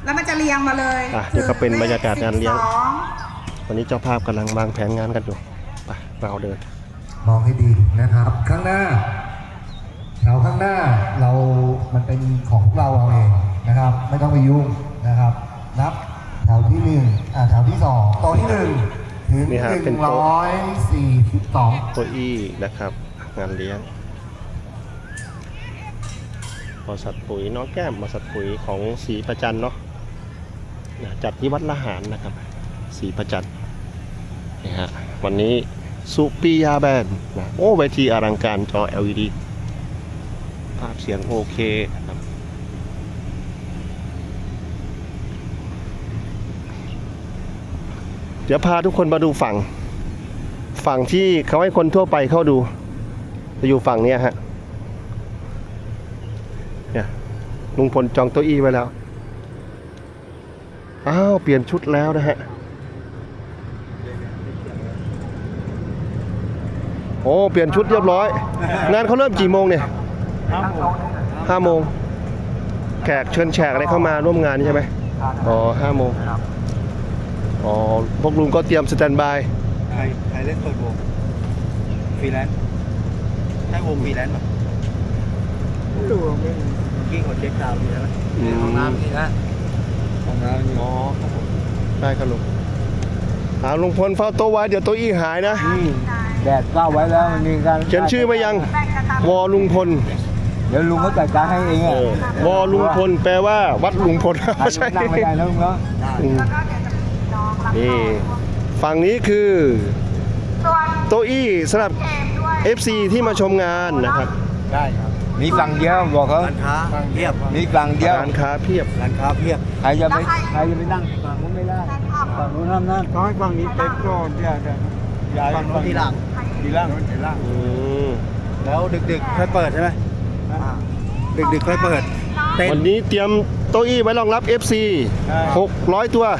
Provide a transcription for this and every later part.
แล้วมันจะเรียงมาเลยนี่ก็เป็นบรรยากาศงานเลี้ยงวันนี้เจ้าภาพกำลังวางแผนงานกันอยู่ไปเราเดินมองให้ดีนะครับ ข้างหน้าแถวข้างหน้ามันเป็นของพวกเราเองนะครับ ไม่ต้องไปยุ่งนะครับ นับแถวที่แถวที่2โต๊ะที่1ถึง142 โต๊ะอี้นะครับงานเลี้ยงบริษัทปุ๋ยน้องแก้มบริษัทปุ๋ยของศรีประจันเนาะจัดที่วัดละหารนะครับศรีประจันนี่ฮะวันนี้สุปิยาแบนด์นะโอ้เวทีอลังการจอ LED ภาพเสียงโอเคครับเดี๋ยวพาทุกคนมาดูฝั่งที่เขาให้คนทั่วไปเข้าดูจะอยู่ฝั่งนี้ฮะเนี่ยลุงพลจองโต๊ะอี้ไว้แล้วอ้าวเปลี่ยนชุดแล้วนะฮะโอ้เปลี่ยนชุดเรียบร้อยงานเขาเริ่มกี่โมงเนี่ย5 โมงแขกเชิญแขกอะไรเข้ามาร่วมงานใช่ไหมอ๋อ5 โมงอ๋อพวกลุงก็เตรียมสแตนบายใครเล่นเปิดวงฟรีแลนซ์ใช่วงฟรีแลนซ์ป่ะดูไม่กิ้งกดเช็คดาวน์ดีแล้วห้องน้ำนี่นะห้องน้ำนี่อ๋อได้ครับลุงลุงพลเฝ้าโต๊ะไว้เดี๋ยวโต๊ะอี้หายนะแดดเข้าไว้แล้วมันมีการเขียนชื่อมายังวอลุงพลเดี๋ยวลุงก็จัดการให้เองวอลุงพลแปลว่าวัดลุงพลไม่ใช่นั่งไม่ได้นะลุงเนาะนี่ฝั่งนี้คือโต๊ะอี้สำหรับ FC ที่มาชมงานนะครับได้ครับมีฝั่งเดียวบอกเขาร้านค้าเพียบมีฝั่งเดียวร้านค้าเพียบใครจะไปนั่งฝั่งนู้นไม่ได้ฝั่งนู้นห้ามนั่งเขาให้ฝั่งนี้เต็มก่อนย้ายฝั่งนู้นทีหลังแล้วดึกๆค่อยเปิดใช่ไหมดึกๆค่อยเปิดวันนี้เตรียมโต๊ะอี้ไว้รองรับ FC 600 ตัว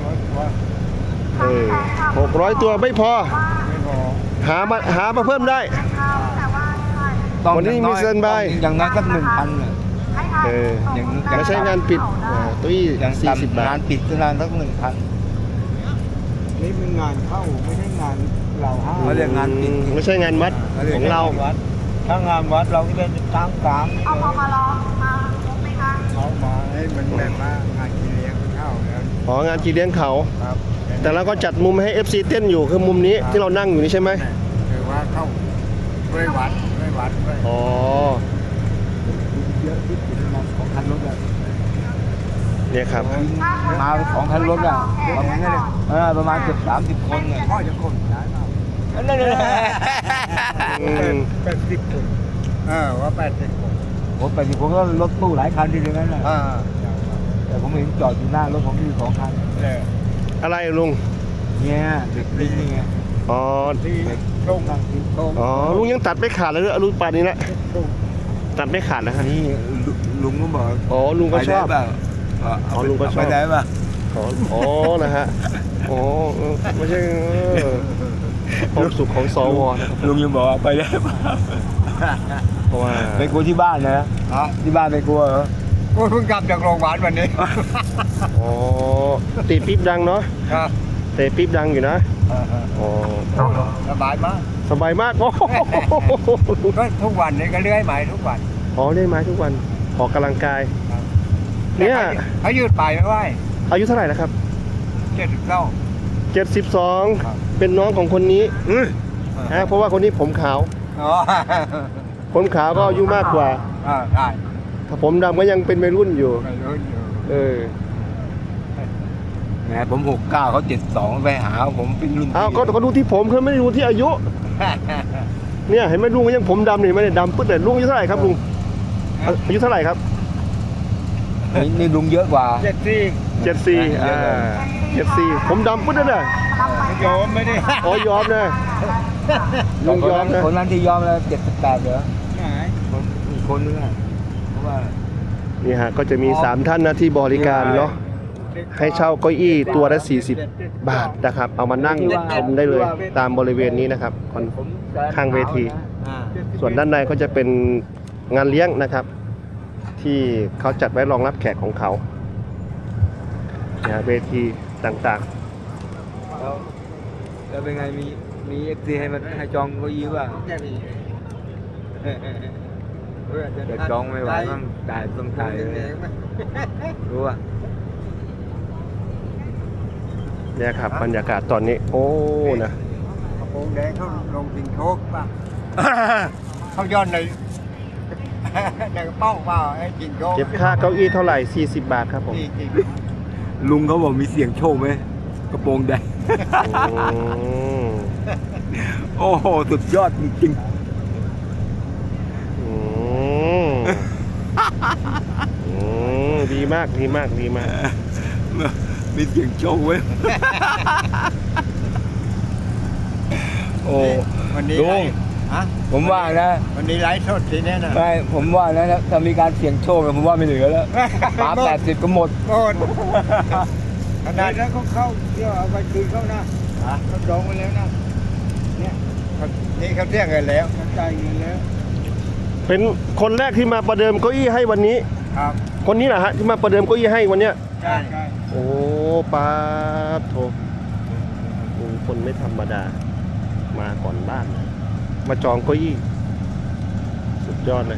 600 ตัวไม่พอหามาเพิ่มได้วันนี้มีสแตนบายอย่างนั้นสัก 1,000 ไม่ใช่งานปิดโต๊ะอี้40 บาทงานปิดก็งานสัก 1,000นี่เป็นงานเข้าไม่ใช่งานเราเขาเรียกงานปิดไม่ใช่งานวัดของเราถ้างานวัดเราก็จะตั้งกลางเอาพอมาลองมาไหมคะเขามาให้มันแบบว่างานกินเลี้ยงเข้าอ๋องานกินเลี้ยงเขาครับแต่เราก็จัดมุมให้ FC เต้นอยู่คือมุมนี้ที่เรานั่งอยู่นี่ใช่ไหมคือว่าเข้าด้วยวัดอ๋อเยอะที่สุดของคันรถอะเนี่ยครับมาของคันรถอะประมาณเกือบ30 คนเนี่ยพ่อจะคนย้ายมานั่น80 คนว่า80 คน80 คนก็รถตู้หลายคันทีเดียวนั้นแหละแต่ผมเห็นจอดอยู่หน้ารถผมมี2 คันอะไรลุงเนี่ยเด็กลิงนี่ไงอ๋อลุงยังตัดไม่ขาดเลยลุงปานนี้ละตัดไม่ขาดนะฮะนี่ลุงก็บอกอ๋อลุงก็ชอบลุงก็ชอบไปได้ป่ะอ๋อนะฮะอ๋อไม่ใช่ความสุขของสวลุงยังบอกไปได้ป่ะเพราะว่าไปกลัวที่บ้านนะที่บ้านไปกลัวเหรอกูเพิ่งกลับจากโรงพยาบาลวันนี้อ๋อตีปิ๊บดังเนาะเตะปิ๊บดังอยู่นะอ๋อสบายมากโอ้ก็ทุกวันนี้ก็เลื่อยไม้ทุกวันเลื่อยไม้ทุกวันออกกำลังกายเนี่ยเขายืดไปไม่ไหวอายุเท่าไหร่นะครับ 72 เป็นน้องของคนนี้เพราะว่าคนนี้ผมขาวก็อายุมากกว่าได้ถ้าผมดำก็ยังเป็นวัยรุ่นอยู่แหมผม69เขา72ไปหาผมเป็นรุ่นก็ดูที่ผมเขาไม่ได้ดูที่อายุเนี่ยเห็นไหมลุงยังผมดำนี่ไม่ได้ดำปึ๊ดเลยลุงอายุเท่าไหร่ครับลุงอายุเท่าไหร่ครับนี่ลุงเยอะกว่า 74ผมดำปึ๊ดเลยยอมไม่ได้ยอมนะลุงยอมนะคนนั้นที่ยอมแล้ว78เหรออีกคนนึงเพราะว่านี่ฮะก็จะมี3ท่านนะที่บริการเนาะให้เช่าเก้าอี้ตัวละ40 บาทนะครับเอามานั่งชมได้เลยตามบริเวณนี้นะครับข้างเวทีส่วนด้านในก็จะเป็นงานเลี้ยงนะครับที่เขาจัดไว้รองรับแขกของเขานะเวทีต่างแล้วเป็นไงมีเอฟซีให้มันให้จองเก็ยิ้ว่าจะจองไม่ไหวบ้างจ่ายต้องจ่ายเลยรู้ป่ะๆเนี่ยครับบรรยากาศตอนนี้ โอ้นะกระโปรงแดงเขาลงสิงโชคป่ะ เขาย้อนในในกระเป๋าเปล่าไอ้สิงโชคเก็บค่าเก้าอี้เท่าไหร่ 40 บาทครับผมลุงเขาบอกมีเสียงโชคไหมกระโปรงแดงอืมโอ้โหสุดยอดจริงอืมอืมดีมากดีมากดีมากๆมีเสียงโชคเว้ยโอ้วันนี้ลุงผมว่านะวันนี้ไลฟ์สดทีนี้นะไม่ผมว่านะถ้ามีการเสี่ยงโชคผมว่าไม่เหลือแล้วป๋า80ก็หมดขนาดนั้นเขาเข้าเที่ยวเอาไปคืนเขานะเขาจองไว้แล้วนะเนี่ยนี่เขาเรียกเงินแล้วเขาจ่ายเงินแล้วเป็นคนแรกที่มาประเดิมเก้าอี้ให้วันนี้ครับคนนี้แหละฮะที่มาประเดิมเก้าอี้ให้วันเนี้ยใช่โอ้ปาโถลุงพลไม่ธรรมดา มาก่อนบ้าน มาจองเก้าอี้ สุดยอดเลย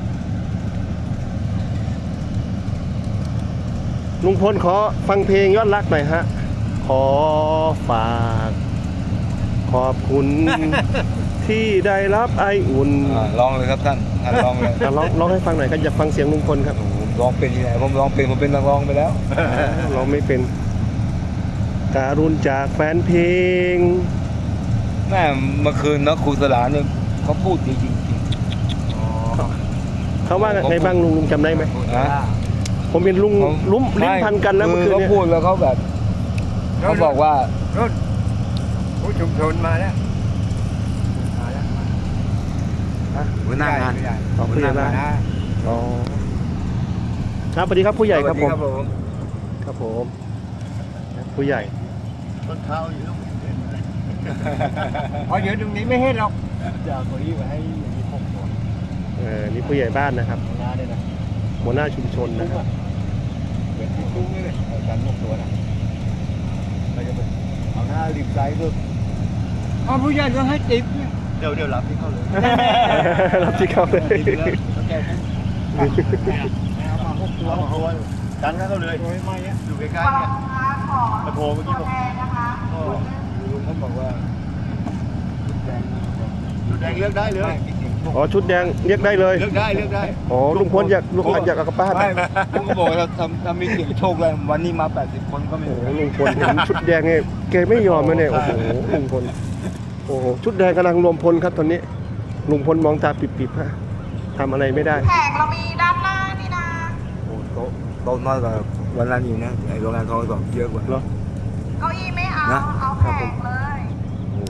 ลุงพลขอฟังเพลงยอดรักหน่อยฮะ ขอฝาก ขอบคุณ ที่ได้รับไออุ่นลองเลยครับท่านลองเลยอ่ะร้องให้ฟังหน่อยครับอยากฟังเสียงลุงพลครับผมร้องเป็นที่ไหนผมร้องเป็นผมเป็นนักร้องไปแล้วร้องไม่เป็น การุณจากแฟนเพลงแม่เมื่อคืนนะครูสลาเนี่ยเขาพูดดีจริงเขาว่าไงบ้างลุงจำได้ไหมๆนะผมเป็นลุงลุ้มลิ้นพันกันแล้วเมื่อคืนเขาเนี่ยพูดแล้วเขาแบบเขาบอกว่าผู้ชุมชนมาแล้วหัวหน้างานอ๋อผู้ใหญ่บ้านอ๋อครับสวัสดีครับผู้ใหญ่ครับผมครับผมผู้ใหญ่ต้นเท้าอยู่พออยู่ตรงนี้ไม่เห็นหรอกจะเอาตัวนี้ไปให้อย่างนี้6 ตัวนี่ผู้ใหญ่บ้านนะครับหัวหน้าด้วยนะหัวหน้าชุมชนนะครับเหมือนที่ตุ้งนี่เลยเอากัน6 ตัวนะเราจะเอาหน้าริมซ้ายด้วยเอาผู้ใหญ่ก็ให้ติ๊บเนี่ยเดี๋ยวรับที่เข้าเลยรับที่เขาเลยเอามา6 ตัวกันเข้าเลยอยู่ใกล้ๆเนี่ยมาโทรเมื่อกี้ผมลุงเขาบอกว่าชุดแดงเลือกได้เลยอ๋อชุดแดงเรียกได้เลยเลือกได้อ๋อลุงพลอยากกลับบ้านไม่ลุงก็บอกว่าถ้ามีเสียงโชคเลยวันนี้มา80 คนก็ไม่โอ้เหลือโหลุงพลเห็นชุดแดงเนี่ยแกไม่ยอมเลยเนี่ยโอ้โหลุงพลโอ้โหชุดแดงกำลังรวมพลครับตอนนี้ลุงพลมองตาปิบๆฮะทำอะไรไม่ได้แขกเรามีด้านหน้านี่นะโอ้โต๊ะน้อยกว่าวันนั้นอยู่นะไอ้โรงงานเขาบอกเยอะกว่าเหรอเก้าอี้ไม่เอานะเอาแขกเลย